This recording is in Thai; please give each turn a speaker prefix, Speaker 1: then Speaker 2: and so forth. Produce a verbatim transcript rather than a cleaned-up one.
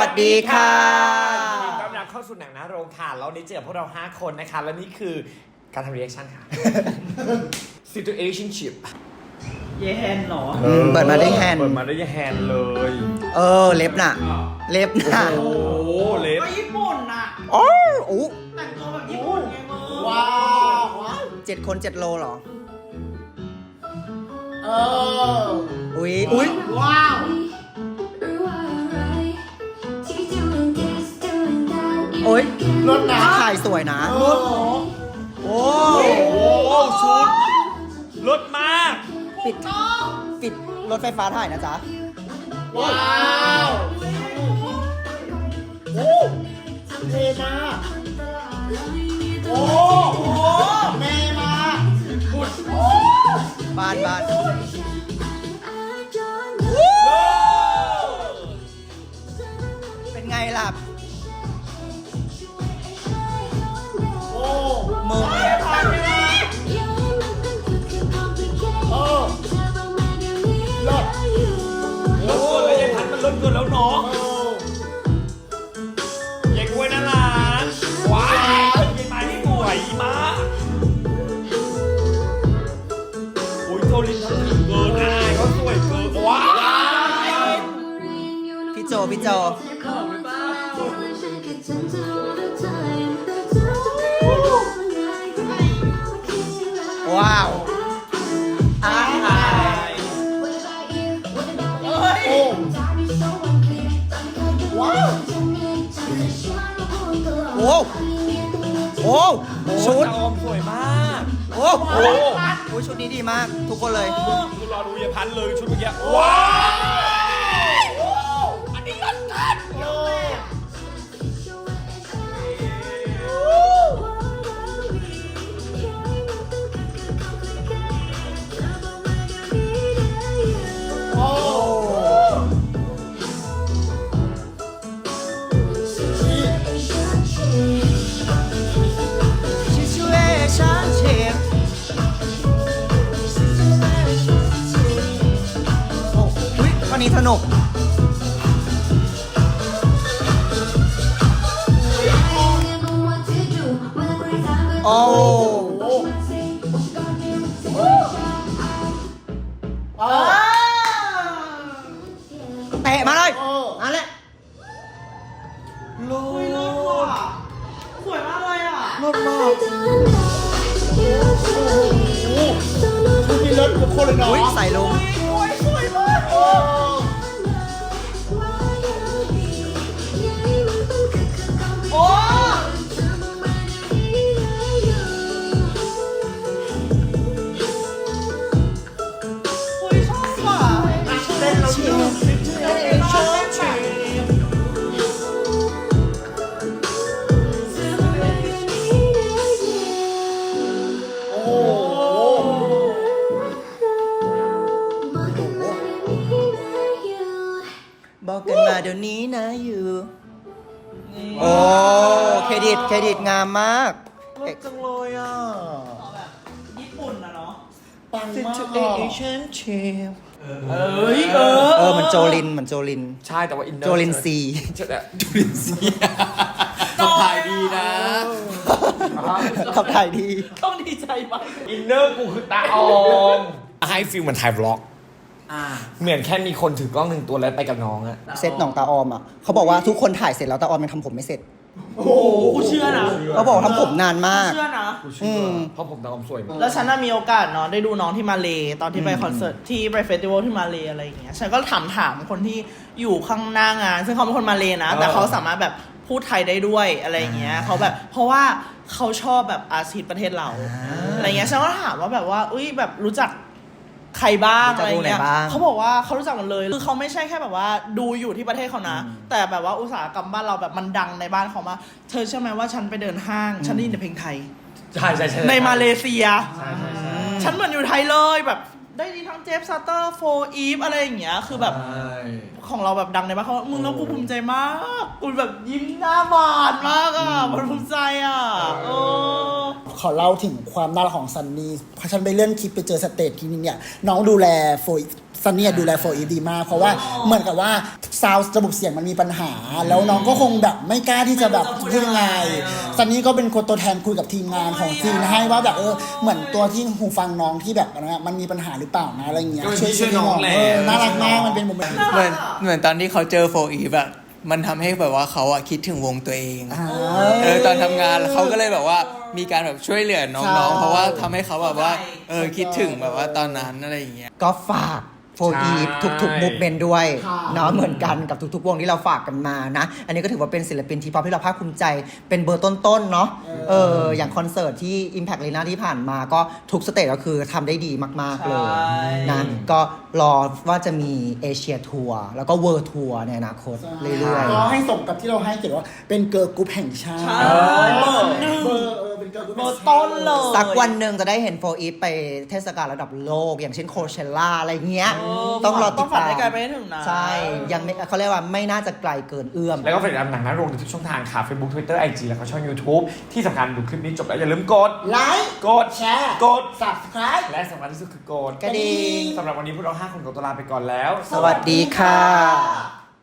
Speaker 1: วัสดีค่ะ
Speaker 2: ยินดีต้อนรับเข้าสู่หนังหน้าโรงค่ะแล้วนี้เจอพวกเราห้าคนนะคะและนี่คือการทำ reaction ค่ะ situationship
Speaker 3: เยแฮนเหรอ
Speaker 1: เปิดมาได้แฮนด์
Speaker 2: เปิดมาได้แฮนด์เลย
Speaker 1: เออเล็บน่ะ เล็บน่ะ
Speaker 2: โอ้โหเล็บ
Speaker 3: ก็ญี่ปุ่นน่ะ
Speaker 1: โอ้โอ้
Speaker 3: แต่งตัวแบบญี่ปุ่นไงมึง
Speaker 4: ว้าวว้าว
Speaker 1: เจ็ดคนเจ็ดโลเหรอ
Speaker 4: เออ
Speaker 1: อุ้ยอุ้ย
Speaker 4: ว้าว
Speaker 1: โอ้ย
Speaker 4: รถน้ำ
Speaker 1: ถ่ายสวยนะ
Speaker 4: เออ
Speaker 1: โอ้
Speaker 2: โอ้โหชุดรถมาก
Speaker 1: ปิดปิดรถไฟฟ้าถ่ายนะจ๊ะ
Speaker 4: ว้าวโอ้เท่มากโอ้โหแม่มาก
Speaker 1: บ้านบ้านเป็นไงล่ะ
Speaker 4: โอ้
Speaker 1: มึง
Speaker 4: เออรถ
Speaker 2: รถเกินแล้วยายพันมันรถเกินแล้วเนาะ
Speaker 4: เออย
Speaker 2: ายกล้วยน่ารักว้าวยายไม้นี่สวยมากโอ้ยโจลินทำถึงเกินอายเขาสวยเกินว้าว
Speaker 1: พี่โจพี่โจว้าวอ้าย
Speaker 4: โอ้ว้าว
Speaker 1: โอ้โอ้ชุด
Speaker 2: ตาอมสวยมาก
Speaker 1: โอ้โหโอ้ยชุดนี้ดีมาก ทุกคนเลย
Speaker 2: คือรอดูยายพันเลยชุดเมื่อกี้ว้าว อันนี้รถกัน
Speaker 4: โอ้ โอ้
Speaker 1: Situation Shift โอ้อุ๊ยตอนนี้สนุก โอ้
Speaker 4: เออ
Speaker 1: เตะมาเลย
Speaker 4: เออ
Speaker 1: นั่นแหละโล
Speaker 3: เฮ้ยเลิศว่ะสวยมากเลยอ่ะ
Speaker 1: รถมาก
Speaker 4: คุณมีรถทุกคนเลยเนาะ
Speaker 1: อุ้ยใส่ลง
Speaker 3: โอ้ยสวยมาก
Speaker 4: เออ
Speaker 3: โอ้โอ้ยชอบว่ะ
Speaker 4: เต้นแล้วดูเต้นชอบชีโอ้โห
Speaker 1: บอกกันมาเดี๋ยวนี้นะอยู่ โอ้ เครดิต เครดิตงามมาก
Speaker 4: รถจังเลยอ่ะ
Speaker 3: แบบญี่ปุ่นนะเนาะ
Speaker 4: ปังมาก
Speaker 1: Situation Shift
Speaker 3: เอ้ยเออ
Speaker 1: เออเหมันโจลินเหมือนโจลิน
Speaker 2: ใช่แต่ว่าอินเนอร์
Speaker 1: โจลินซี
Speaker 2: โจลินซีขับถ่ายดีนะ
Speaker 1: ขับถ่ายดี
Speaker 3: ต้องดีใจมาก
Speaker 2: อินเนอร์กูคือตาออมให้ฟิลเหมือนถ่ายบล็อก
Speaker 3: อ่า
Speaker 2: เหมือนแค่มีคนถือกล้องหนึ่งตัวแล้วไปกับน้องอะ
Speaker 1: เซตหนองตาออมอ่ะเขาบอกว่าทุกคนถ่ายเสร็จแล้วตาออมยังทำผมไม่เสร็จ
Speaker 3: โอ้โหกูเชื่อนะ
Speaker 1: เขาบอกทำผมนานมาก
Speaker 3: เชื่อนะ
Speaker 2: กูเชื่อเพราะผมตาออมสวยมาก
Speaker 3: แล้วฉันน่ะมีโอกาสเนาะได้ดูน้องที่มาเลตอนที่ไปคอนเสิร์ตที่ไปเฟสติวัลที่มาเลอะไรอย่างเงี้ยฉันก็ถามถามคนที่อยู่ข้างหน้างาน ซึ่งเขาเป็นคนมาเลนะ แต่เขาสามารถแบบพูดไทยได้ด้วยอะไรอย่างเงี้ยเขาแบบเพราะว่าเขาชอบแบบอาชีพประเทศเราอะไรเงี้ยฉันก็ถามว่าแบบว่าอุ้ยแบบรู้จักใครบ้าง
Speaker 1: รู้จั
Speaker 3: อะ
Speaker 1: ก
Speaker 3: ไร
Speaker 1: วงไหน
Speaker 3: เงี้ย
Speaker 1: บ้าง
Speaker 3: เขาบอกว่าเขารู้จักหมดเลยคือเขาไม่ใช่แค่แบบว่าดูอยู่ที่ประเทศเขานะ แต่แบบว่าอุตสาหกรรมบ้านเราแบบมันดังในบ้านเขามาเธอเชื่อไหมว่าฉันไปเดินห้างฉันได้ยินแต่เพลงไทย
Speaker 2: ใช่ใช่ใช่
Speaker 3: ในมาเลเซีย
Speaker 2: ใช่ใช่ใช่
Speaker 3: ฉันเหมือนอยู่ไทยเลยแบบได้ยินทั้งเจฟซัตเตอร์โฟอีฟอะไรอย่างเงี้ยคือแบบ
Speaker 2: ใช่
Speaker 3: ของเราแบบดังในบ้านเขามึงแล้วกูภูมิใจมากกูแบบยิ้มหน้าบานมากอ่ะมันภูมิใจอ่ะเออ
Speaker 4: ขอเล่าถึงความน่ารักของซันนี่เพราะฉันไปเลื่อนคลิปไปเจอสเตจทีนึงเนี่ยน้องดูแลโฟซันนี่ดูแลโฟอีฟดีมากเพราะว่าเหมือนกับว่าซาวด์ระบบเสียงมันมีปัญหา แล้วน้องก็คงแบบไม่กล้าที่จะแบบพูดยังไงซันนี่ก็เป็นคนตัวแทนคุยกับทีมงานของซีนให้ว่าแบบเออเหมือนตัวที่หูฟังน้องที่แบบนะมันมีปัญหาหรือเปล่านะอะไรเงี้ย
Speaker 2: ก็เป็นพี่ช่วยน้องแหละ
Speaker 4: เออน่ารักมากมันเป็นโมเมนต์
Speaker 5: เหมือนเหมือนตอนที่เขาเจอโฟอีฟอะมันทำให้แบบว่าเขาอะคิดถึงวงตัวเอง เออตอนทำงานเขาก็เลยแบบว่ามีการแบบช่วยเหลือน้องๆ เพราะว่าทำให้เขาแบบว่าเออคิดถึงแบบว่าตอนนั้นอะไรอย่างเงี้ย
Speaker 1: ก็ฝากโฟอีฟทุกๆมุกเมนด้วย
Speaker 4: ค่ะ
Speaker 1: เนาะเหมือนกันกับทุกๆวงที่เราฝากกันมานะ อันนี้ก็ถือว่าเป็นศิลปินทีป๊อปที่เราภาคภูมิใจเป็นเบอร์ต้นๆเนาะเอออย่างคอนเสิร์ตที่ Impact Arena ที่ผ่านมาก็ทุกสเตจก็คือทำได้ดีมากๆเลย
Speaker 3: ใช่
Speaker 1: นะก็รอว่าจะมีเอเชียทัวร์แล้วก็เวิร์ทัวร์ในอนาคตเรื่อย
Speaker 4: ก็ให้สมกับที่เราให้เกียรติว่าเป็นเกิร์ลกรุ๊ปแห่งชาติ
Speaker 3: ใช่เบอร์หนึ่ง
Speaker 4: เบอร์เออเป็นเกิร์ลกรุ๊ป
Speaker 3: เบอร์ต้นเลย
Speaker 1: ๆสักวันหนึ่งจะได้เห็นโฟอีฟไปเทศกาลระดับโลก อย่างเช่นโคเชล่าอะไรเงี้ย
Speaker 3: เออ
Speaker 1: ต้องรอ
Speaker 3: ต้
Speaker 1: ติ
Speaker 3: อง
Speaker 1: ด
Speaker 3: ฝัน
Speaker 1: ตาม
Speaker 3: ให้ไกลไปให้ถึงนะ
Speaker 1: ใช่ยังไม่เขาเรียกว่าไม่น่าจะไกลเกินเอื้อม
Speaker 2: แล้วก็ฝากติดตามหนังหน้าโรงในทุกช่องทางค่ะ Facebook Twitter ไอ จี แล้วก็ช่อง YouTube ที่สำคัญดูคลิปนี้จบแล้วอย่าลืมกด
Speaker 4: ไลค์
Speaker 2: กด
Speaker 4: แชร์
Speaker 2: กด
Speaker 4: subscribe
Speaker 2: และสำคัญที่สุดคือกด
Speaker 1: กระดิ่ง
Speaker 2: สำหรับวันนี้พวกเราห้าคนขอตัวลาไปก่อนแล้ว
Speaker 1: สวัสดีค่ะ